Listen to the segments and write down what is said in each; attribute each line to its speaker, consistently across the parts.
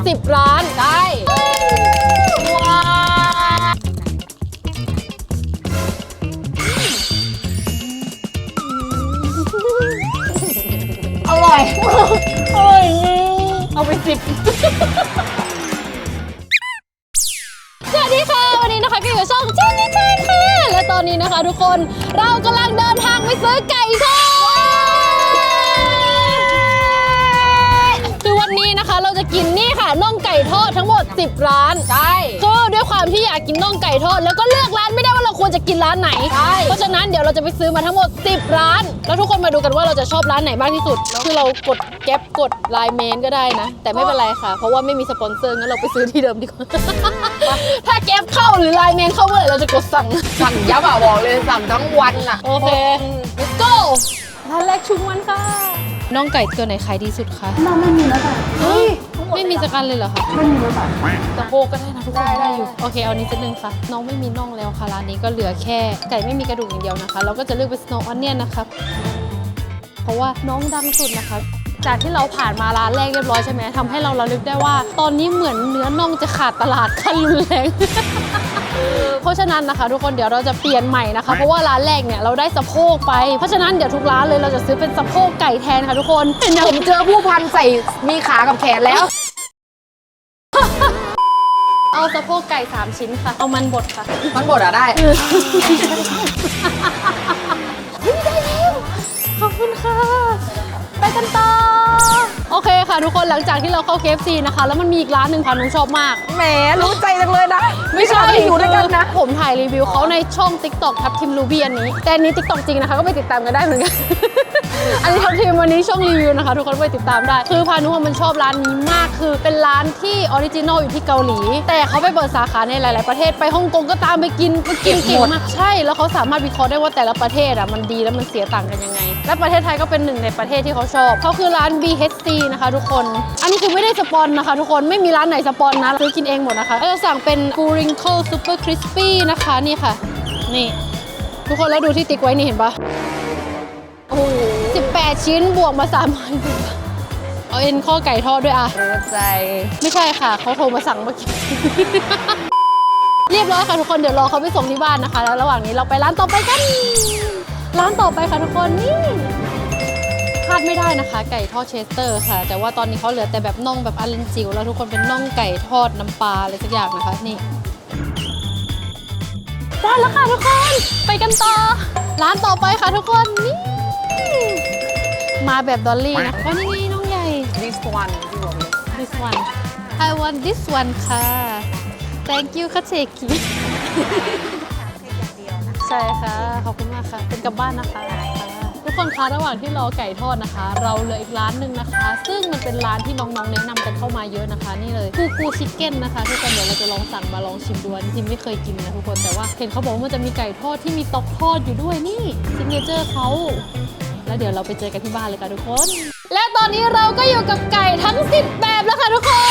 Speaker 1: 10 ร้านได้ว้าอร่อยอร่อยเอาไป10 สวัสดีค่ะวันนี้นะคะก็อยู่กับช่องเจนนี่เจนค่ะและตอนนี้นะคะทุกคนเรากำลังเดินทางไปซื้อไก่ทอดคือวันนี้นะคะเราจะกินนี่ค่ะน่องไก่ทอดทั้งหมด10 ร้านใช่ก็ด้วยความที่อยากกินน่องไก่ทอดแล้วก็เลือกร้านไม่ได้ว่าเราควรจะกินร้านไหนใช่เพราะฉะนั้นเดี๋ยวเราจะไปซื้อมาทั้งหมด10 ร้านแล้วทุกคนมาดูกันว่าเราจะชอบร้านไหนมากที่สุดคือเรากดแก๊ปกดไลน์เมนก็ได้นะแต่ไม่เป็นไรค่ะเพราะว่าไม่มีสปอนเซอร์งั้นเราไปซื้อที่เดิมดีกว่าถ้าแก๊ปเข้าหรือไลน์เมนเข้าเมื่อไหร่เราจะกดสั่ง
Speaker 2: ยับอ่ะบอกเลยสั่งทั้งวันอ่ะ
Speaker 1: โอเค let's go ร้านแรกชุมวันค่ะน่องไก่ตัวไหนขายดีสุดคะ
Speaker 3: น้องไม่มีแล้วค่ะ
Speaker 1: เฮ้ยไม่มีสกันเลยเหรอคะ
Speaker 3: ไม่มีแล้วค่ะ
Speaker 1: ตะโพกก็ได้นะทุกคนได้อยู่โอเคเอานี้จะนึงค่ะน้องไม่มีน่องแล้วค่ะร้านนี้ก็เหลือแค่ไก่ไม่มีกระดูกอย่างเดียวนะคะเราก็จะเลือกเป็น Snow Onion นะคะเพราะว่าน้องดังสุดนะคะจากที่เราผ่านมาร้านแรกเรียบร้อยใช่ไหมทำให้เราระลึกได้ว่าตอนนี้เหมือนเนื้อน่องจะขาดตลาดขั้นรุนแรงเพราะฉะนั้นนะคะทุกคนเดี๋ยวเราจะเปลี่ยนใหม่นะคะเพราะว่าร้านแรกเนี่ยเราได้สะโพกไปเพราะฉะนั้นเดี๋ยวทุกร้านเลยเราจะซื้อเป็นสะโพกไก่แทนค่ะทุกคน
Speaker 2: ผมเจอผู้พันใส่มีขากับแขนแล้ว
Speaker 1: เอาสะโพกไก่3 ชิ้นค่ะเอามันบดค่ะ
Speaker 2: มันบดได้
Speaker 1: ได้แล้วขอบคุณค่ะไปกันต่อโอเคค่ะทุกคนหลังจากที่เราเข้า KFC นะคะแล้วมันมีอีกร้านหนึ่งค่ะนุ้งชอบมาก
Speaker 2: แหมรู้ใจจังเลยนะ
Speaker 1: ไม่ใช่
Speaker 2: อยู่ด้วยกันนะ
Speaker 1: ผมถ่ายรีวิวเขาในช่อง TikTok ทับทิมรูบี้อันนี้แต่อันนี้ TikTok จริงนะคะก็ไปติดตามกันได้เหมือนกันอันนี้ทับทิมวันนี้ช่องรีวิวนะคะทุกคนไปติดตามได้คือพานุมันชอบร้านนี้มากคือเป็นร้านที่ออริจินอลอยู่ที่เกาหลีแต่เขาไปเปิดสาขาในหลายๆประเทศไปฮ่องกงก็ตามไปกินเก่งมากใช่แล้วเขาสามารถวิเคราะห์ได้ว่าแต่ละประเทศอ่ะมันดีแล้วมันเสียต่างกันยังไงและประเทศไทยก็เป็นหนึ่งในประเทศที่เขาชอบเขาคือร้าน BHC นะคะทุกคนอันนี้คือไม่ได้สปอนนะคะทุกคนไม่มีร้านไหนสปอนนะซื้อกินเองหมดนะคะเราจะสั่งเป็น Gurinkle Super Crispy นะคะนี่ค่ะนี่ทุกคนแล้วดูที่ติ๊กไว้นี่เห็นปะโอ้โห18 ชิ้นบวกมา300เอาเอ็นข้อไก่ทอดด้วยอ่ะ
Speaker 2: รู้ใจ
Speaker 1: ไม่ใช่ค่ะเขาโทรมาสั่งเมื่อกี้ เรียบร้อยค่ะทุกคนเดี๋ยวรอเขาไปส่งที่บ้านนะคะแล้วระหว่างนี้เราไปร้านต่อไปกันร้านต่อไปค่ะทุกคนนี่พลาดไม่ได้นะคะไก่ทอดเชสเตอร์ค่ะแต่ว่าตอนนี้เขาเหลือแต่แบบน่องแบบอันเลนจิ๋วแล้วทุกคนเป็นน่องไก่ทอดน้ำปลาอะไรสักอย่างนะคะนี่ได้แล้วค่ะทุกคนไปกันต่อร้านต่อไปค่ะทุกคนนี่มาแบบดอลลี่นะว่านี่ไงน้องใหญ่
Speaker 2: this one ที่บอกเลย
Speaker 1: this one I want this one ค่ะ thank you ค่ะเชคิใช่ค่ะขอบคุณมากค่ะเป็นกลับบ้านนะคะทุกคนคะระหว่างที่รอไก่ทอดนะคะเราเหลืออีกร้านหนึ่งนะคะซึ่งมันเป็นร้านที่น้องๆแนะนำกันเข้ามาเยอะนะคะนี่เลยกูชิคเก้นนะคะทุกคนเดี๋ยวเราจะลองสั่งมาลองชิมดูจริงๆไม่เคยกินนะทุกคนแต่ว่าเห็นเขาบอกว่ามันจะมีไก่ทอดที่มีต๊อกทอดอยู่ด้วยนี่ซิกเนเจอร์เขาแล้วเดี๋ยวเราไปเจอกันที่บ้านเลยค่ะทุกคนและตอนนี้เราก็อยู่กับไก่ทั้ง10 แบบแล้วค่ะทุกคน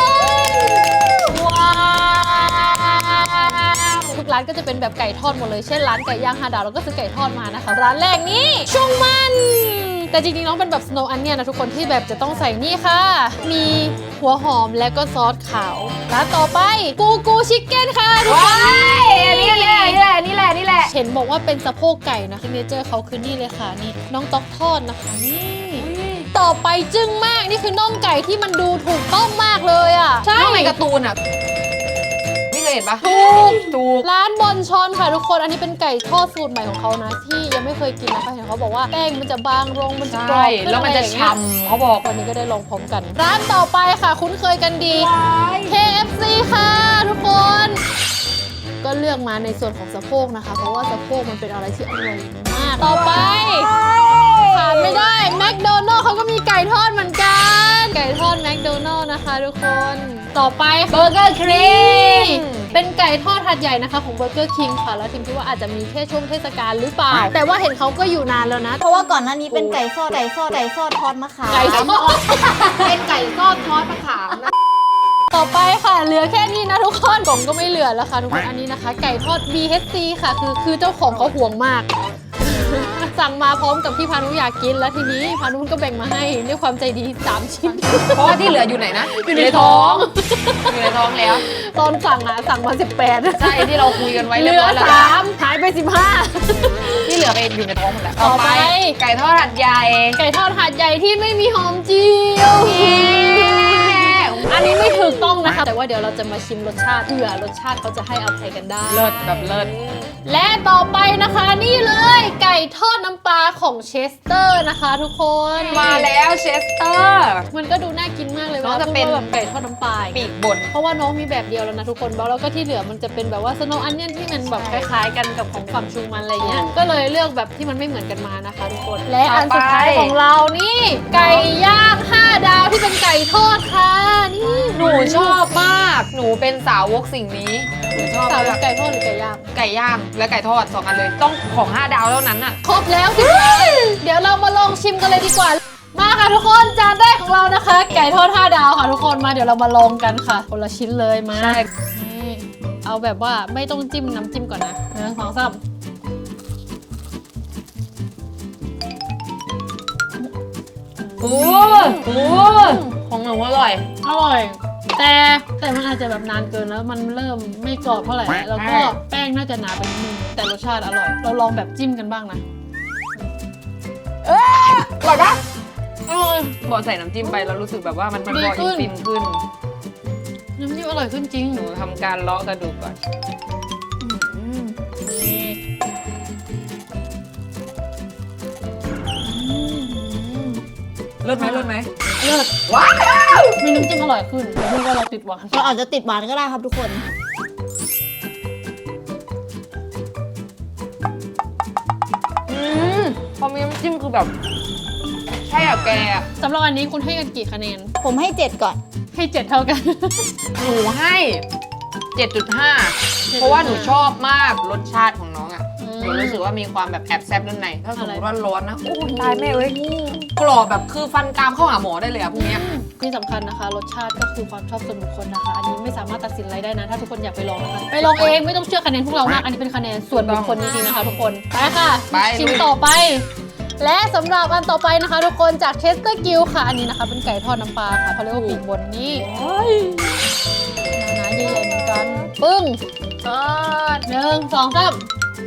Speaker 1: ว้าวทุกร้านก็จะเป็นแบบไก่ทอดหมดเลยเช่นร้านไก่ย่าง5 ดาวเราก็ซื้อไก่ทอดมานะคะร้านแรกนี้ช่วงมันแต่จริงๆน้องเป็นแบบ Snow Onion นะทุกคนที่แบบจะต้องใส่นี่ค่ะมีหัวหอมและก็ซอสขาวร้านต่อไปกูชิคเก้นค่ะทุกคน
Speaker 2: นี่แหละ
Speaker 1: เห็นบอกว่าเป็นสะโพกไก่นะซิกเนเจอร์เขาคือนี่เลยค่ะนี่น้องต๊อกทอดนะคะนี่ต่อไปจึ้งมากนี่คือน่องไก่ที่มันดูถูกต้องมากเลยอ่ะ
Speaker 2: ใช่ในการ์ตูนอ่ะไม่เคยเห็นปะ
Speaker 1: ถูกร้านบอนชอนค่ะทุกคนอันนี้เป็นไก่ทอดสูตรใหม่ของเขานะที่ยังไม่เคยกินนะคะเห็นเขาบอกว่าแป้งมันจะบางลงมันจะกรอบขึ้น
Speaker 2: แล้วมันจะฉ่ำเขาบอก
Speaker 1: วันนี้ก็ได้ลองพร้อมกันร้านต่อไปค่ะคุ้นเคยกันดี KFC ค่ะทุกคนก็เลือกมาในส่วนของสะโพกนะคะเพราะว่าสะโพกมันเป็นอะไรที่อร่อยมากต่อไปขาดไม่ได้แมคโดนัลด์เขาก็มีไก่ทอดเหมือนกันไก่ทอดแมคโดนัลด์นะคะทุกคนต่อไป
Speaker 2: เบอร์เกอร์ครีม
Speaker 1: เป็นไก่ทอดหัดใหญ่นะคะของ Burger King ค่ะแล้วทิมคิดว่าอาจจะมีแค่ช่วงเทศกาลหรือเปล่าแต่ว่าเห็นเขาก็อยู่นานแล้วนะ
Speaker 3: เพราะว่าก่อนหน้านี้เป็นไก่ทอดทอดมะขาม
Speaker 1: ไก่ทอด
Speaker 2: เป็นไก่ทอดทอดมะขามนะ
Speaker 1: ต่อไปค่ะเหลือแค่นี้นะทุกคนกล่องก็ไม่เหลือแล้วค่ะทุกคนอันนี้นะคะไก่ทอด BHC ค่ะคือเจ้าของเขาห่วงมากสั่งมาพร้อมกับที่พานุอยากกินแล้วทีนี้พานุก็แบ่งมาให้ด้วยความใจดี3 ชิ้น
Speaker 2: เพราะว่าที่เหลืออยู่ไหนนะ
Speaker 1: อยู่ในท้อง
Speaker 2: อยู่ในท้องแล้ว
Speaker 1: ตอนสั่งสั่งมา18
Speaker 2: ใช่ที่เราคุยกันไว้
Speaker 1: เห
Speaker 2: เรีย
Speaker 1: ลื
Speaker 2: บ
Speaker 1: อ
Speaker 2: ร้อยแล้ว
Speaker 1: 3หายไป15
Speaker 2: ที่เหลือไปอยู่ในท้องหมดแล้ว
Speaker 1: ต่อไป
Speaker 2: ไก่ทอดหัดใหญ่
Speaker 1: ไก่ทอดหาดใหญ่ที่ไม่มีหอมเจียว อันนี้ไม่ถูกต้องนะคะ แต่ว่าเดี๋ยวเราจะมาชิมรสชาติเผื่อรสชาติเขาจะให้อภัยกันได้
Speaker 2: เลิศแบบเลิศ
Speaker 1: และต่อไปนะคะนี่เลยไก่ทอดน้ำปลาของเชสเตอร์นะคะทุกคน
Speaker 2: มาแล้วเชสเตอร์
Speaker 1: มันก็ดูน่ากินมากเลย
Speaker 2: น้องจะเป็น
Speaker 1: ว่าแบบไก่ทอดน้ำปลา
Speaker 2: ปีกบน
Speaker 1: เพราะว่าน้องมีแบบเดียวแล้วนะทุกคนแล้วก็ที่เหลือมันจะเป็นแบบว่าสโนว์อันเนียนที่มันแบบคล้ายๆกันกับของฝั่งชูมันอะไรเงี้ยก็เลยเลือกแบบที่มันไม่เหมือนกันมานะคะทุกคนและอันสุดท้ายของเรานี่ไก่ย่าง5 ดาวที่เป็นไก่ทอดค่ะนี่
Speaker 2: หนูชอบมาก หนูเป็นสาวกสิ่งนี้ หนูชอบ
Speaker 1: สาว
Speaker 2: มาก
Speaker 1: ไก่ทอดหรือไก่ย่าง
Speaker 2: ไก่ย่างและไก่ทอด2 อันเลย ต้องของ5 ดาวเท่านั้นอ่ะ
Speaker 1: ครบแล้วสิเดี๋ยวเรามาลองชิมกันเลยดีกว่า มาค่ะทุกคนจานแรกของเรานะคะ ไก่ทอด5 ดาวค่ะทุกคนมาเดี๋ยวเรามาลองกันค่ะคนละชิ้นเลยมา
Speaker 2: ใช่
Speaker 1: นี่เอาแบบว่าไม่ต้องจิ้มน้ำจิ้มก่อนนะ1 2 3
Speaker 2: โอ้โหของหนูอร่อย
Speaker 1: อร่อย แต่มันอาจจะแบบนานเกินแล้วมันเริ่มไม่กรอบเท่าไหร่แล้วก็แป้งน่าจะหนาไปนิดนึงแต่รสชาติอร่อย เราลองแบบจิ้มกันบ้างนะ
Speaker 2: อร่อยปะ
Speaker 1: อร่อย
Speaker 2: บอกใส่น้ำจิ้มไปแล้วรู้สึกแบบว่ามันพอ
Speaker 1: ดีขึ้
Speaker 2: อิน
Speaker 1: น
Speaker 2: ฟินขึ้น
Speaker 1: น้ำจิ้มอร่อยขึ้นจริง
Speaker 2: หนูทำการเลาะกระดูกก่อน
Speaker 1: นี่
Speaker 2: เลิศไหมเลิศไหม
Speaker 1: เลิศ
Speaker 2: ว้าว
Speaker 1: มีน้ำจิ้มอร่อยขึ้นแต่พูดว่าเราติดหวาน
Speaker 3: เราอาจจะติดหวานก็ได้ครับทุกคน
Speaker 2: พอมีน้ำจิ้มคือแบบใช่อะแกอะ
Speaker 1: สำหรับอันนี้คุณให้กันกี่คะแนน
Speaker 3: ผมให้ 7 ก่อน
Speaker 1: ให้ 7 เท่ากัน
Speaker 2: หนูให้ 7.5 เพราะว่าหนูชอบมากรสชาติของน้องอะ
Speaker 1: อืม
Speaker 2: หนูรู้สึกว่ามีความแบบแอบแซ่บด้านในถ้าสมม
Speaker 1: อะไร
Speaker 2: ติว่าร้อนนะโอ้ยตายแม่เอ้ยกรอบแบบคือฟันกรามเข้าหาหมอได้เลยอะพวกเนี้ย
Speaker 1: ที่สำคัญนะคะ รสชาติก็คือความชอบส่วนบุคคลนะคะ อันนี้ไม่สามารถตัดสินอะไรได้นะ ถ้าทุกคนอยากไปลองนะคะ ไปลองเองไม่ต้องเชื่อคะแนนพวกเรามาก อันนี้เป็นคะแนนส่วนบุคคลจริงๆนะคะทุกคน ไปค่ะ
Speaker 2: ไป
Speaker 1: ชิมต่อไป และสำหรับอันต่อไปนะคะ ทุกคนจากเชสเตอร์กิลค่ะ อันนี้นะคะเป็นไก่ทอดน้ำปลาค่ะเขาเรียกว่าปีกบนนี่หนาๆใหญ่ๆเหมือนกัน ปึ้งทอด1 2 3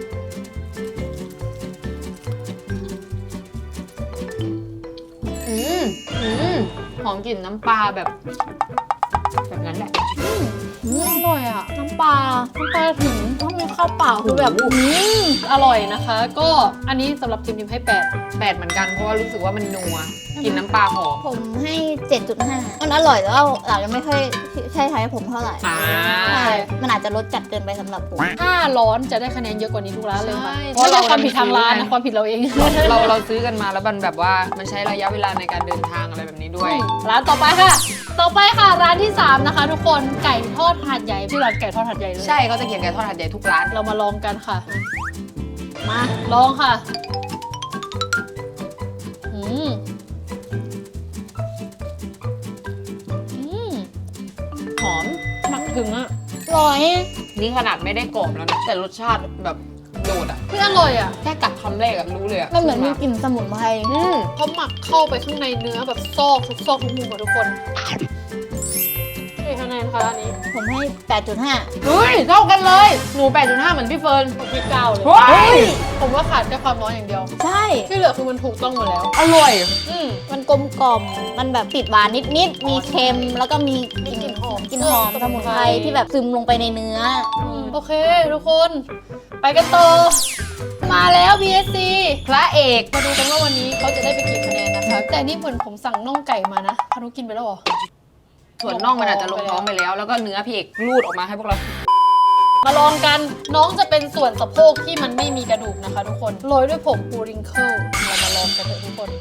Speaker 2: หอมกลิ่นน้ำปลาแบบนั้นแหละ
Speaker 1: อร่อยอ่ะ น้ำปลาถึงต้องมีข้าวเปล่าคือแบบอร่อยนะคะ ก็อันนี้สำหรับทีมให้8
Speaker 2: 8เหมือนกันเพราะว่ารู้สึกว่ามันนัวกลิ่นน้ำปลาหอม
Speaker 3: ผมให้ 7.5 มันอร่อยแต่ว่าอาจจะไม่ค่อยใช่ไทยผมเท่าไหร่
Speaker 2: อ่า
Speaker 3: ใช่มันอาจจะรสจัดเกินไปสำหรับผม
Speaker 1: ถ้าร้อนจะได้คะแนนเยอะกว่านี้ทุกร้านเลยค่ะ
Speaker 2: ใช่
Speaker 1: เพราะเราความผิดทางร้านนะความผิดเราเอง
Speaker 2: เราซื้อกันมาแล้วมันแบบว่ามันใช้ระยะเวลาในการเดินทางอะไรแบบนี้ด้วย
Speaker 1: ร้านต่อไปค่ะ ร้านที่ 3 นะคะ ทุกคนไก่ทอดหาดใหญ่ชื่อร้านไก่ทอดหาดใหญ่เลย
Speaker 2: ใช่เขาจะเขียนไก่ทอดหัดใหญ่ทุกร้าน
Speaker 1: เรามาลองกันค่ะ มาลองค่ะอืมอืม
Speaker 2: หอม
Speaker 1: หมักถึงอ่ะ
Speaker 3: อร่อย
Speaker 2: นี่ขนาดไม่ได้กรอบแล้วนะแต่รสชาติแบบโดดอ่ะ
Speaker 1: คืออร่อยอ่ะ
Speaker 2: แค่กัดคำแรกอะรู้เลยอะ
Speaker 3: มันเหมือนมีกลิ่นสมุนไพร
Speaker 1: เขาหมักเข้าไปข้างในเนื้อแบบซอกทุกซอกทุกมุมอะทุกคนให้คะแนนค่ะอันนี้
Speaker 3: ผมให้ 8.5
Speaker 2: เฮ้ยเท่ากันเลย หนู 8.5 เหมือนพี่เฟิร์น
Speaker 1: ผมที่9เลย
Speaker 2: เฮ้ย
Speaker 1: ผมว่าขาดแค่ความร้อนอย่างเดียว
Speaker 3: ใช่
Speaker 1: ที่เหลือคือมันถูกต้องหมดแล้ว
Speaker 2: อร่อย
Speaker 3: มันกลมกล่อม มันแบบติดหวานนิดๆ มีเค็ม แล้วก็มี
Speaker 1: มีกลิ่นหอม
Speaker 3: กลิ่นหอมสมุนไพรที่แบบซึมลงไปในเนื้อ
Speaker 1: โอเค ทุกคน ไปกันต่อ มาแล้ว BSC
Speaker 2: พระเอก
Speaker 1: มาดูกันว่าวันนี้เขาจะได้ไปกี่คะแนนนะคะ แต่นี่เหมือนผมสั่งน่องไก่มานะพานุกินไปแล้วเหรอ
Speaker 2: ส่วนน่องมันอาจจะลงท้องไปแล้ว แล้วก็เนื้อพี่เอกรูดออกมาให้พวกเรา
Speaker 1: มาลองกัน น้องจะเป็นส่วนสะโพกที่มันไม่มีกระดูกนะคะทุกคน โรยด้วยผงปูริงเคิลเรามาลองกันเถอะทุกคน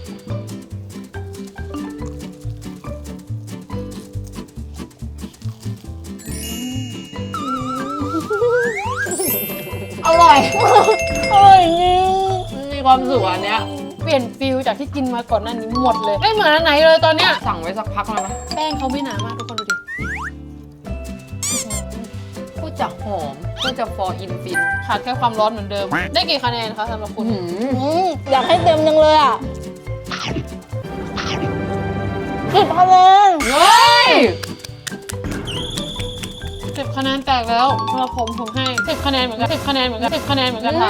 Speaker 2: อร่อย
Speaker 3: อร่อยจริง
Speaker 2: มีความสุขอันเนี้ย
Speaker 1: เปลี่ยนฟิลจากที่กินมาก่อนหน้านี้หมดเลย ไม่เหมือนอันไหนเลยตอนเนี้ย
Speaker 2: สั่งไว้สักพักแล้วนะ
Speaker 1: แป้งเขาไม่หนามากทุกคนดูดิผู้
Speaker 2: ดจะหอมพูดจะฟอร์อินฟิน
Speaker 1: ขาดแค่ความร้อนเหมือนเดิม ได้กี่คะแนนคะสำหรับคุณ
Speaker 3: อยากให้เต็มจังเลยอ่ะ10 คะแนน
Speaker 2: เฮ้ย
Speaker 1: 10 คะแนนแตกแล้วสำหรับผมให้10 คะแนนเหมือนกัน10 คะแนนเหมือนกัน10 คะแนนเหมือนกันค่ะ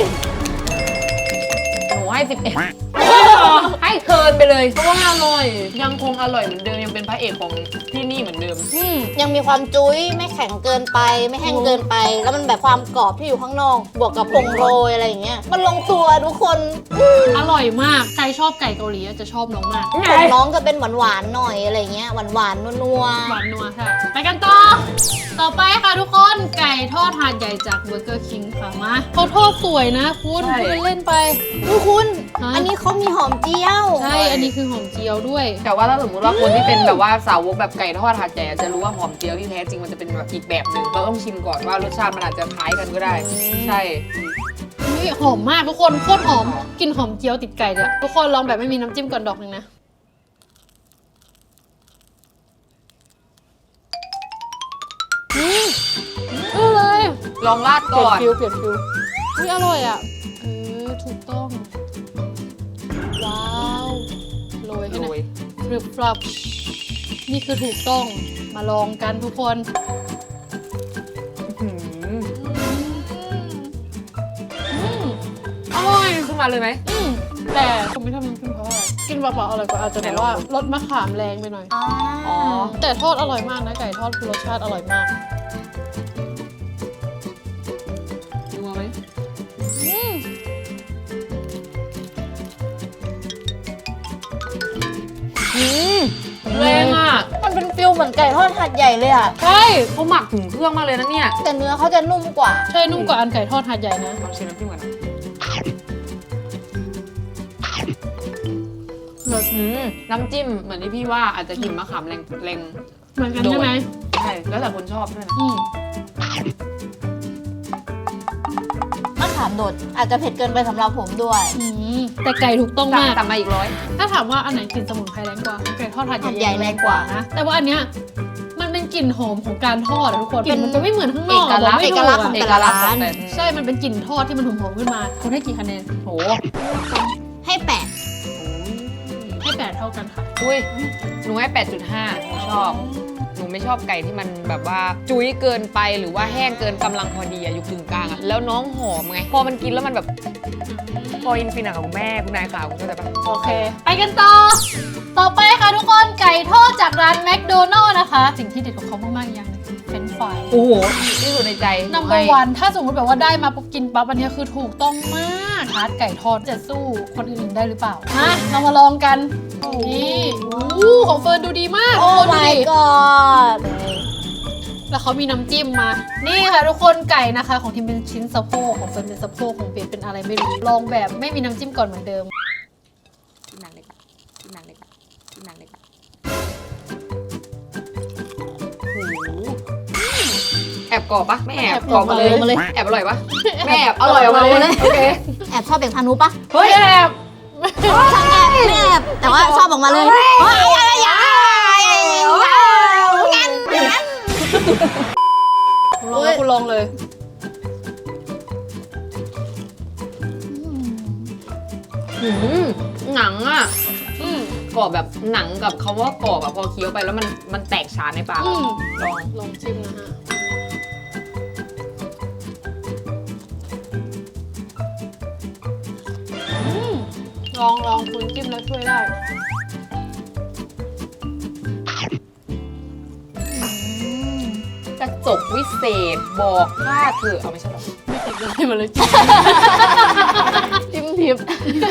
Speaker 2: หนูให้11ให้เคินไปเลยเพราะว่าอร่อยยังคงอร่อยเหมือนเดิมยังเป็นพระเอกของที่นี่เหมือนเดิม
Speaker 3: ยังมีความจุ้ยไม่แข็งเกินไปไม่แห้งเกินไป แล้วมันแบบความกรอบที่อยู่ข้างนอก บวกกับผงโรยอะไรอย่างเงี้ยมันลงตัวทุกคน
Speaker 1: อร่อยมาก ใครชอบไก่เกาหลีจะชอบน้องมาก
Speaker 3: ของน้องจะเป็นหวานๆหน่อยอะไรเงี้ยหวานๆนัว
Speaker 1: หวานนัวค่ะ ไปกันต่อ ต่อไปค่ะทุกคน ไก่ทอดหาดใหญ่จากเบอร์เกอร์คิงค่ะมาเขาทอดสวยนะคุณ
Speaker 2: ใช่
Speaker 1: พูดเล่นไป
Speaker 3: ๆดูคุณ
Speaker 1: ฮะ
Speaker 3: อันนี้เขามีหอมเจียว
Speaker 1: ใช่ อันนี้คือหอมเจียวด้วย
Speaker 2: แต่ว่าถ้าสมมติว่าคนที่เป็นแบบว่าสาวกแบบไก่ทอดหาดใหญ่จะรู้ว่าหอมเจียวที่แท้จริงมันจะเป็นแบบอีกแบบหนึ่งเราต้องชิมก่อนว่ารสชาติมันอาจจะคล้ายกันก็ได้ ใช่
Speaker 1: นี่หอมมากทุกคนโคตรหอมกลินหอมเจียวติดไก่เลยทุกคนลองแบบไม่มีน้ำจิ้มก่อนดอกหนึ่งนะเลย
Speaker 2: ลองราด
Speaker 1: เปลี่
Speaker 2: ก่
Speaker 1: ยน
Speaker 2: อน
Speaker 1: ฟิวอุ๊ยอร่อยอ่ะถูกต้องว้าวโรยให้ห
Speaker 2: โร
Speaker 1: น่อย
Speaker 2: ย
Speaker 1: ฟรึบฟรับนี่คือถูกต้องมาลองกันทุกคน
Speaker 2: อื้อหือ
Speaker 1: อร่อย
Speaker 2: ขึ้นมาเลยไหม
Speaker 1: แต่ผมไม่ชอบน้ำจิ้มเพราะอะไรกินเปล่าๆอร่อยกว่าอาจจะแบบว่ารสมะขามแรงไปหน่อย
Speaker 2: อ๋อ
Speaker 1: แต่ทอดอร่อยมากนะไก่ทอดคือรสชาติอร่อยมาก
Speaker 2: นัวไหม แรงอ่ะ
Speaker 3: มันเป็นฟิลเหมือนไก่ทอดหัดใหญ่เลยอ่ะ
Speaker 1: ใช่
Speaker 2: เขาหมักถึงเครื่องมากเลยนะเนี่ย
Speaker 3: แต่เนื้อเขาจะนุ่มกว่า
Speaker 1: ใช่นุ่มกว่าอันไก่ทอดหาดใหญ่นะ
Speaker 2: ลองชิมน้ำจิ้มก่อนนะ น้ำจิ้มเหมือนที่พี่ว่าอาจจะกลิ่นมะขามแรง
Speaker 1: เหมือนกันใช่ไหม
Speaker 2: ใช่แล้วแต่คนชอบด้วยนะ
Speaker 3: มะขามโดดอาจจะเผ็ดเกินไปสำหรับผมด้วย
Speaker 1: แต่ไก่ถูกต้องมาก
Speaker 2: สั่งมาอีกร้อย
Speaker 1: ถ้าถามว่าอันไหนกลิ่นสมุนไพรแรงกว่าไก่ทอดหาด
Speaker 3: หาด
Speaker 1: ให
Speaker 3: ใหญ่
Speaker 1: ญ่
Speaker 3: แร
Speaker 1: แรง ง
Speaker 3: ก
Speaker 1: ก
Speaker 3: ว่า
Speaker 1: ว่านะ แต่ว่าอันเนี้ยมันเป็นกลิ่นหอมของการทอดอะทุกคนกลิ่นมันจะไม่เหมือนข้างนอก
Speaker 2: เอกลักษณ์
Speaker 1: บไม่ถู
Speaker 3: เอกลักษณ์ของ
Speaker 2: เอ
Speaker 3: แต่
Speaker 2: ก
Speaker 3: ละ
Speaker 2: ลักษณ์
Speaker 3: ร้าน
Speaker 2: แต่
Speaker 1: ใช่ มันเป็นกลิ่นทอดที่มันหอมๆขึ้นมาคุณให้กี่คะแนน
Speaker 2: โห
Speaker 3: ให้แปะ
Speaker 1: ให้8เท่ากันค่ะ
Speaker 2: อุ้ยหนูให้ 8.5หนูชอบ หนูไม่ชอบไก่ที่มันแบบว่าจุ้ยเกินไปหรือว่าแห้งเกินกำลังพอดีอะอยู่กึ่งกลางอะแล้วน้องหอมไง พอมันกินแล้วมันแบบพออินฟินอะของแม่คุณนายขาวคุณเข้าใจปะ
Speaker 1: โอเค ไปกันต่อ ต่อไปค่ะทุกคนไก่ทอดจากร้านแมคโดนัลล์นะคะ สิ่งที่เด็ดของเขามากๆอย่างหนึงเฟรนช์ฟราย
Speaker 2: โอ้โหที่สุดในใจ
Speaker 1: นัมเบอร์วันถ้าสมมติแบบว่าได้มาปุ๊บกินปั๊บอันนี้คือถูกต้องมากทาร์ตไก่ทอดจะสู้คนอื่นๆได้หรือเปล่ามาเรามาลองกันนี่อู้ของเฟิร์นดูดีมาก
Speaker 3: โอ้
Speaker 1: ทุกคนดู
Speaker 3: my
Speaker 1: ดิ
Speaker 3: god
Speaker 1: แล้วเขามีน้ำจิ้มมา นี่ค่ะทุกคนไก่นะคะ ของทีมเป็นชิ้นสะโพกของเฟิร์นเป็นสะโพกของเปียเป็นอะไรไม่รู้ลองแบบไม่มีน้ำจิ้มก่อนเหมือนเดิม
Speaker 2: ที่นางเล็กอะที่นางเล็กอะที่นางเล็กอะแอบกรอบปะไม่แอบ
Speaker 1: แอบ
Speaker 2: กรอบมาเลย
Speaker 3: มาเลย
Speaker 2: แอบอร่อยปะไม่แอบอร่อยออกมาเลยโอเค
Speaker 3: แอบชอบเบกพานุปะ
Speaker 2: เฮ้ยแอบ
Speaker 3: ช่างแอบไม่แอบแต่ว่าชอบออกมาเลยเฮ้ยอะไรอย่างงั้น
Speaker 1: ลองแล้วคุณลองเลย
Speaker 2: หนังอะ
Speaker 1: อืม
Speaker 2: กรอบแบบหนังกับคำว่ากรอบอะพอเคี้ยวไปแล้วมันแตกฉานในปาก
Speaker 1: อืม
Speaker 2: ลอง
Speaker 1: ลองชิมนะฮะลองคุณจิ้มแล้วช่วยได้
Speaker 2: กระจกวิเศษบอกค่าเธอเอาไม่ใช่หรอ
Speaker 1: ไม่ติดเลยมาเลยจิ้ม จิ้มทิพย์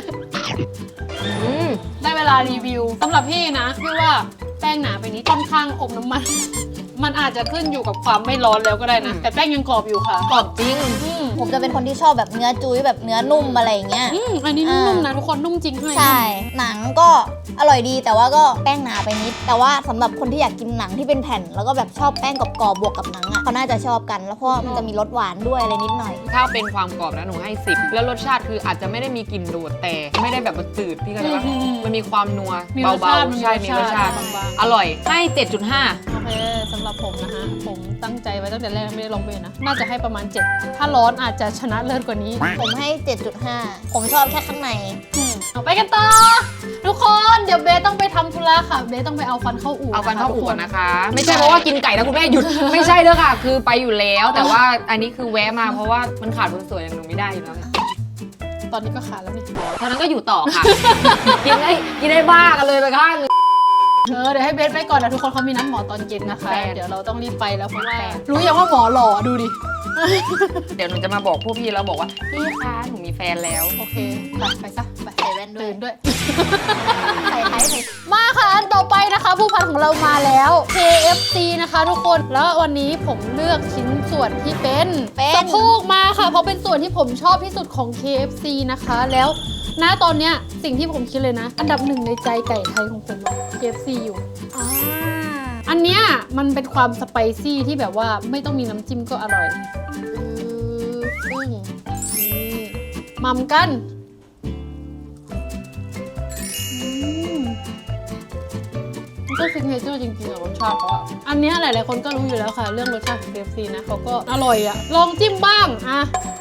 Speaker 1: ได้เวลารีวิวสำหรับพี่นะพี่ว่าแป้งหนาไปนิดค่อนข้างอบน้ำมัน มันอาจจะขึ้นอยู่กับความไม่ร้อนแล้วก็ได้นะ แต่แป้งยังกรอบอยู่ค่ะ
Speaker 2: กรอบจริง
Speaker 3: ผมจะเป็นคนที่ชอบแบบเนื้อจุ้ยแบบเนื้อนุ่มอะไรอย่างเงี้ย
Speaker 1: อันนี้นุ่มๆนะทุกคนนุ่มจริงให้
Speaker 3: ใช่ หนังก็อร่อยดีแต่ว่าก็แป้งหนาไปนิด แต่ว่าสำหรับคนที่อยากกินหนังที่เป็นแผ่น แล้วก็แบบชอบแป้งกรอบๆบวกกับหนังอ่ะเขาน่าจะชอบกัน แล้วเพราะว่ามันจะมีรสหวานด้วยอะไรนิดหน่อย
Speaker 2: ถ้าเป็นความกรอบนะหนูให้ 10 แล้วรสชาติคืออาจจะไม่ได้มีกลิ่นโดดแต่ไม่ได้แบบมันจืดพี่เข้าใจปะมันมีความนัว
Speaker 1: มีรส
Speaker 2: เบา
Speaker 1: ชาติ
Speaker 2: ๆใช่มีรสชาติ
Speaker 1: บาง
Speaker 2: อร่อยให้ 7.5
Speaker 1: ๆโอเคเคสำหรับผมนะฮะผมตั้งใจไว้ตั้งแต่แรกไม่ได้ลองเบนนะน่าจะให้ประมาณ 7 ถ้าร้อนอาจจะชนะเลิศกว่านี้
Speaker 3: ผมให้ 7.5 ผมชอบแค่ข้างใน
Speaker 1: เอาไปกันต่อทุกคนเดี๋ยวเบสต้องไปทำธุระค่ะเบสต้องไปเอาฟันเข้าอู่
Speaker 2: เอาฟันเข้าอู่
Speaker 1: ทุ
Speaker 2: ก่อนนะคะ ไม่ใช่เพราะว่ากินไก่แล้วคุณแม่หยุด ไม่ใช่เด้อค่ะ คือไปอยู่แล้ว แต่ว่าอันนี้คือแวะมาเพราะว่ามันขาดคนสวยอย่างหนูไม่ได้อยู่แล้วไง
Speaker 1: ตอนนี้ก็ขาดแล้วนี่
Speaker 2: เท่านั้นก็อยู่ต่อค่ะ กินได้บ้ากันเลยไปข้างหนึง
Speaker 1: เดี๋ยวให้เบสไปก่อนนะทุกคนเขามีนัดหมอตอนเย็นนะคะ
Speaker 2: แฟน
Speaker 1: เดี๋ยวเราต้องรีบไปแล้วเพราะว่า
Speaker 2: แฟน
Speaker 1: รู้ยังว่าหมอหล่อดูดิ
Speaker 2: เดี๋ยวหนูจะมาบอกพวกพี่แล้วบอกว่าพี่คะหนูมีแฟนแล้ว
Speaker 1: โอเคไปซะไป
Speaker 3: ใส่แว่นด้วย
Speaker 1: ตื่นด้วย
Speaker 3: ใส่ไทยใส่
Speaker 1: มาค่ะอันต่อไปนะคะ ผู้พันของเรามาแล้ว KFC นะคะทุกคนแล้ววันนี้ผมเลือกชิ้นส่วนที่เป็นสะโพกมาค่ะเพราะเป็นส่วนที่ผมชอบที่สุดของ KFC นะคะแล้วณตอนเนี้ยสิ่งที่ผมคิดเลยนะ อันดับหนึ่งในใจไก่ไทยของผมอะ KFC อยู่ อันเนี้ยมันเป็นความสไปซี่ที่แบบว่าไม่ต้องมีน้ำจิ้มก็อร่อยซึ่งนี่มัมกันมันก็ซิกเนเจอร์จริงๆอะรสชาติเขาอะอันเนี้ยหลายๆคนก็รู้อยู่แล้วค่ะ เรื่องรสชาติของ KFC นะเขาก็อร่อยอะลองจิ้มบ้างอะ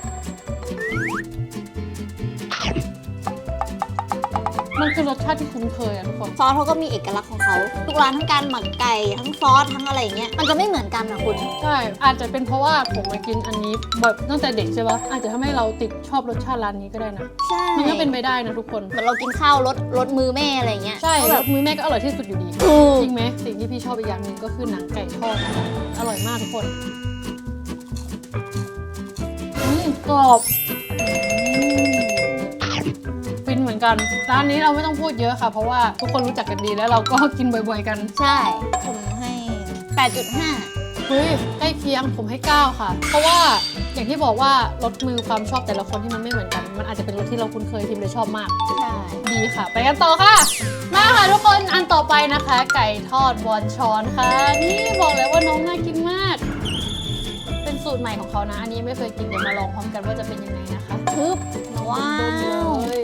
Speaker 1: มันคือรสชาติที่คุ้นเคยอะทุกคน
Speaker 3: ซอสเขาก็มีเอกลักษณ์ของเขาทุกร้านทั้งการหมักไก่ทั้งซอสทั้งอะไรอย่างเงี้ยมันจะไม่เหมือนกันนะคุณ
Speaker 1: ใช่ อาจจะเป็นเพราะว่าผมมากินอันนี้แบบตั้งแต่เด็กใช่ปะอาจจะทำให้เราติดชอบรสชาติร้านนี้ก็ได้นะ
Speaker 3: ใช่
Speaker 1: มันก็เป็นไปได้นะทุกคน
Speaker 3: เหมือนเรากินข้าวรสมือแม่อะไรอย่างเงี้ย
Speaker 1: ใช่
Speaker 3: ก็
Speaker 1: ร
Speaker 3: แบบ
Speaker 1: สมือแม่ก็อร่อยที่สุดอยู่ดี
Speaker 3: ถูก
Speaker 1: จริงไหมสิ่งที่พี่ชอบอีกอย่างหนึ่งก็คือหนังไก่ทอดนะคะอร่อยมากทุกคนกรอบฟินเหมือนกันร้านนี้เราไม่ต้องพูดเยอะค่ะ เพราะว่าทุกคนรู้จักกันดีแล้วเราก็กินบ่อยๆกัน
Speaker 3: ใช่ ผมให้ 8.5
Speaker 1: เฮ้ยใกล้เคียงผมให้ 9 ค่ะ เพราะว่าอย่างที่บอกว่ารสมือความชอบแต่ละคนที่มันไม่เหมือนกัน มันอาจจะเป็นรสที่เราคุ้นเคยทีมเลยชอบมาก
Speaker 3: ใช่
Speaker 1: ดีค่ะ ไปกันต่อค่ะ มาค่ะทุกคนอันต่อไปนะคะ ไก่ทอดวอนชอนค่ะ นี่บอกเลยว่าน้องน่ากินมาก เป็นสูตรใหม่ของเขานะ อันนี้ไม่เคยกินเดี๋ยวมาลองพร้อมกันว่าจะเป็นยังไงนะคะ
Speaker 3: ทึบว้า
Speaker 1: เบิ่ม
Speaker 3: ว
Speaker 1: เลย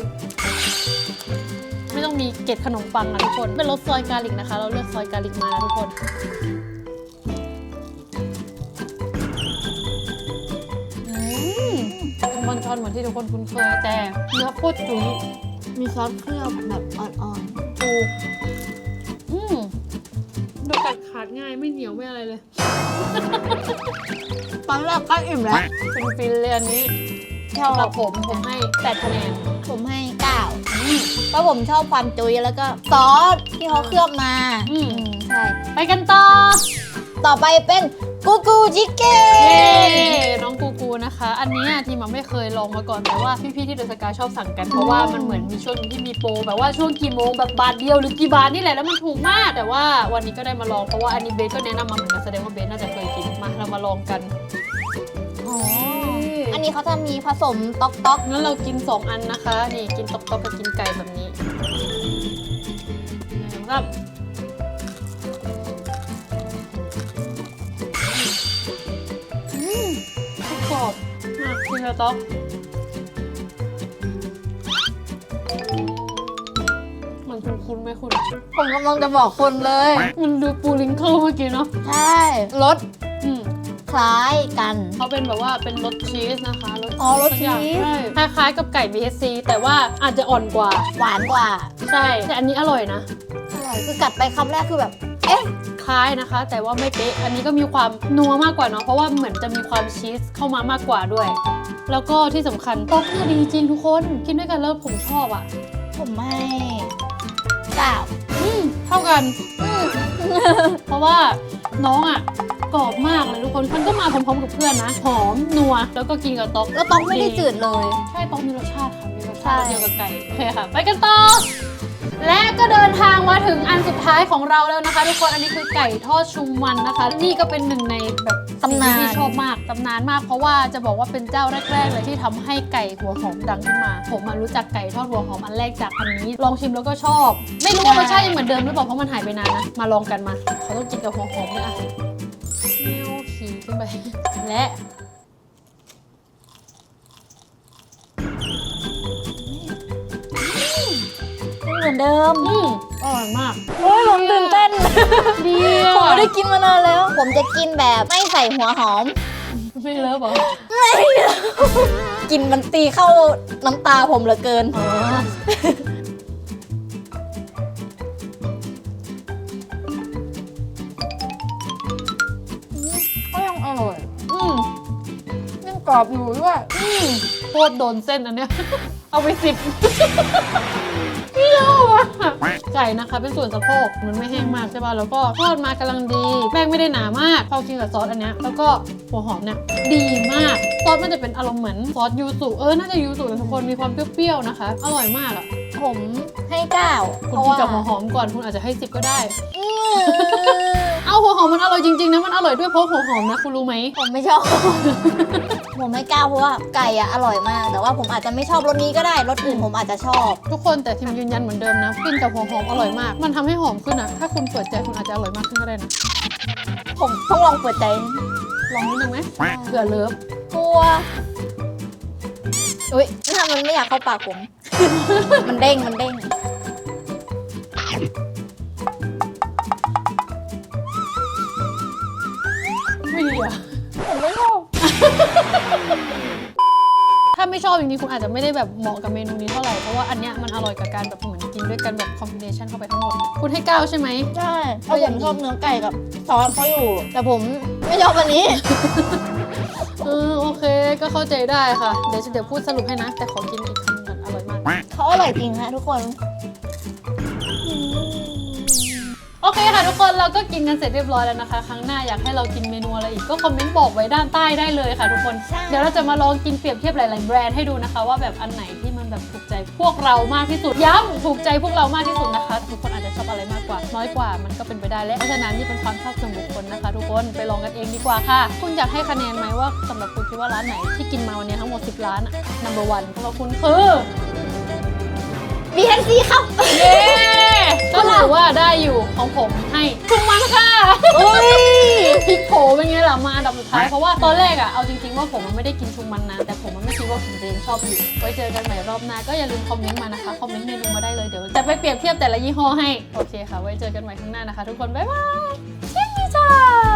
Speaker 1: ไม่ต้องมีเกล็ดขนมปังนะทุกคนเป็นรสซอยกาลิกนะคะ เราเลือกซอยกาลิกมานะทุกคนเป็นวอนชอนเหมือนที่ทุกคนคุ้นเคยแต่เนื้อโคตรจุ๋ย
Speaker 3: มีซอสเคลือบแบบอ่อน
Speaker 1: ถูกดูกัดขาดง่ายไม่เหนียวไม่อะไรเลย
Speaker 3: ๆตอนแรกก็อิ่มแล้ว
Speaker 1: เป็นฟินเลยอันนี้
Speaker 3: ชอบ
Speaker 1: สำหรับผมให้8 คะแนน
Speaker 3: ผมให้ 9เพราะผมชอบความจุยแล้วก็ซอสที่เขาเคลือบมา ใช่
Speaker 1: ไปกันต่อ
Speaker 3: ต่อไปเป็นกูกูชิคเก้
Speaker 1: เย้
Speaker 3: น
Speaker 1: น้องกูกูนะคะ อันนี้ทีมไม่เคยลองมาก่อนแต่ว่าพี่ๆที่เดอะสกายชอบสั่งกัน เพราะว่ามันเหมือนมีช่วงที่มีโปรแบบว่าช่วงกี่โมงแบบบาทเดียวหรือกี่บาทนี่แหละแล้วมันถูกมาก แต่ว่าวันนี้ก็ได้มาลองเพราะว่าอันนี้เบสก็แนะนำมาเหมือนกันแสดงว่าเบสน่าจะเคยกินมาเรามาลองกัน
Speaker 3: อ๋อ อันนี้เขาจะมีผสมต๊อก
Speaker 1: งั้นเรากิน 2 อันนะคะ นี่กินตอกๆกับกินไก่แบบนี้นะครับกรอบมากกินแล้วต๊อกมันคุ้นๆไหมคุณ
Speaker 3: ๆผมกำลังจะบอกคุณเลย
Speaker 1: มันดูปูลิงเคิลเมื่อกี้เนาะ
Speaker 3: ใช่รส
Speaker 1: อืม
Speaker 3: คล้ายกัน
Speaker 1: เขาเป็นแบบว่าเป็นรสชีสนะคะ
Speaker 3: อ๋อรสชีส
Speaker 1: ใช่คล้ายๆกับไก่ BSC แต่ว่าอาจจะอ่อนกว่า
Speaker 3: หวานกว่า
Speaker 1: ใช่ แต่อันนี้อร่อยนะ
Speaker 3: อร่อยคือกัดไปคำแรกคือแบบ เอ๊ะ
Speaker 1: คล้ายนะคะ แต่ว่าไม่เป๊ะ อันนี้ก็มีความนัวมากกว่าเนาะ เพราะว่าเหมือนจะมีความชีสเข้ามามากกว่าด้วย แล้วก็ที่สำคัญต๊อกเนี่ยดีจริงทุกคน กินด้วยกันแล้วผมชอบอ่ะ
Speaker 3: ผมให้9
Speaker 1: เท่ากัน เพราะว่าน้องอ่ะกรอบมากเลยทุกคน มันก็มาพร้อมๆกับเพื่อนนะ หอม นัว แล้วก็กินกับต๊อก
Speaker 3: แล้วต๊อกไม่ได้จืดเลย
Speaker 1: ใช่ต๊อกมีรสชาติค่ะ มีรส
Speaker 3: ใช่
Speaker 1: ชาติเดียวกับไก่โอเคค่ะ ไปกันต่อ และก็เดินทางมาถึงอันสุดท้ายของเราแล้วนะคะ ทุกคน อันนี้คือไก่ทอดชุมมันนะคะ นี่ก็เป็นหนึ่งในแบบสิ่งที่พี่ชอบมากตำนานมาก เพราะว่าจะบอกว่าเป็นเจ้าแรกๆเลยที่ทำให้ไก่หัวหอมดังขึ้นมา ผมมารู้จักไก่ทอดหัวหอมอันแรกจากอันนี้ ลองชิมแล้วก็ชอบ ไม่รู้ว่ารสชาติยังเหมือนเดิมหรือเปล่าเพราะมันหายไปนานนะ มาลองกันมา เขาต้องกินกับหัวหอมด้วยอ่ะเนียวขี่ขึ้นไป และ
Speaker 3: มือนเดิม
Speaker 1: อร่อยมาก
Speaker 3: โอ้ยผมตื่นเต้น
Speaker 1: ดี
Speaker 3: ผมไม่ได้กินมานานแล้ว ผมจะกินแบบไม่ใส่หัวหอม
Speaker 1: ไม่เลิฟเหรอ
Speaker 3: ไม่กินมันตีเข้าน้ำตาผมเหลือเกิน
Speaker 1: อ๋อ ก็ยังอร่อย ยังกรอบอยู่ด้วยโคตรโดนเส้นอันเนี้ย เอาไป10เปรี้ยวอ่ะไก่นะคะเป็นส่วนสะโพกมันไม่แห้งมากใช่ป่ะแล้วก็ทอดมากำลังดีแป้งไม่ได้หนามากพอกินกับซอสอันเนี้ยแล้วก็หัวหอมเนี่ยดีมากซอสมันจะเป็นอารมณ์เหมือนซอสยูสุน่าจะยูสุนะทุกคนมีความเปรี้ยวๆนะคะอร่อยมากอ่ะ
Speaker 3: ผมให้9
Speaker 1: คุณกินกับหัวหอมก่อนคุณอาจจะให้10ก็ได้ เอาหัวหอมมันอร่อยจริงๆนะมันอร่อยด้วยเพราะหัวหอมนะคุณรู้ไหม
Speaker 3: ผมไม่ชอบ ผมให้9เพราะว่าไก่อะอร่อยมาก แต่ว่าผมอาจจะไม่ชอบรสนี้ก็ได้รสอื่นผมอาจจะชอบ
Speaker 1: ทุกคนแต่ทีมยืนยันเหมือนเดิมนะกินกับหัวหอมอร่อยมาก มันทำให้หอมขึ้นอ่ะถ้าคุณเปิดใจคุณอาจจะอร่อยมากขึ้นก็ได้นะ
Speaker 3: ผมต้องลองเปิดใจ
Speaker 1: ลองนิดนึงไหมเผื่อเลิฟ
Speaker 3: กลัวอุ้ยถ้ามันไม่อยากเข้าปากผม มันเด้งมันเด้ง
Speaker 1: ไม่ดีอ่ะ
Speaker 3: ผมไม่ชอบ
Speaker 1: ถ้าไม่ชอบจริงๆคุณอาจจะไม่ได้แบบเหมาะกับเมนูนี้เท่าไหร่เพราะว่าอันเนี้ยมันอร่อยกับการแบบเหมือนกินด้วยกันแบบคอมบิเนชันเข้าไปทั้งหมดคุณให้9ใช่ไหม
Speaker 3: ใช่เพราะผมชอบเนื้อไก่กับซอสเขาอยู่ แต่ผมไม่ชอบอันนี้
Speaker 1: โอเคก็เข้าใจได้ค่ะเดี๋ยวพูดสรุปให้นะ แต่ขอกินอีกคำก่อนอร่อยมาก
Speaker 3: เขาอร่อยจริงฮะทุกคน
Speaker 1: โอเคค่ะทุกคนเราก็กินกันเสร็จเรียบร้อยแล้วนะคะ ครั้งหน้าอยากให้เรากินเมนูอะไรอีกก็คอมเมนต์บอกไว้ด้านใต้ได้เลยค่ะทุกคน
Speaker 3: ใช่
Speaker 1: เดี๋ยวเราจะมาลองกินเปรียบเทียบหลายๆแบรนด์ให้ดูนะคะ ว่าแบบอันไหนที่มันแบบถูกใจพวกเรามากที่สุดย้ำถูกใจพวกเรามากที่สุดนะคะทุกคนอาจจะชอบอะไรมากกว่าน้อยกว่ามันก็เป็นไปได้และเพราะฉะนั้นนี่เป็นความชอบส่วนบุคคลนะคะ ทุกคนไปลองกันเองดีกว่าค่ะ คุณอยากให้คะแนนไหมว่าสำหรับคุณคิดว่าร้านไหนที่กินมาวันนี้ทั้งหมด10ร้านอะ number 1ของเราคุณคือ
Speaker 3: BNC ครับ
Speaker 1: เย้ก็ถือว่าได้อยู่ของผมให้ชุงมันค่ะ
Speaker 3: อุ้ย
Speaker 1: พลิกโผเป็นไงล่ะมาอันดับสุดท้ายเพราะว่าตอนแรกอะเอาจริงๆว่าผมมันไม่ได้กินชุงมันนะแต่ผมมันไม่คิดว่าผมจะยังชอบอยู่ไว้เจอกันใหม่รอบหน้าก็อย่าลืมคอมเมนต์มานะคะคอมเมนต์เมนูมาได้เลยเดี๋ยวจะไปเปรียบเทียบแต่ละยี่ห้อให้โอเคค่ะไว้เจอกันใหม่ข้างหน้านะคะทุกคนบ๊ายบายเช่นนี้จ้า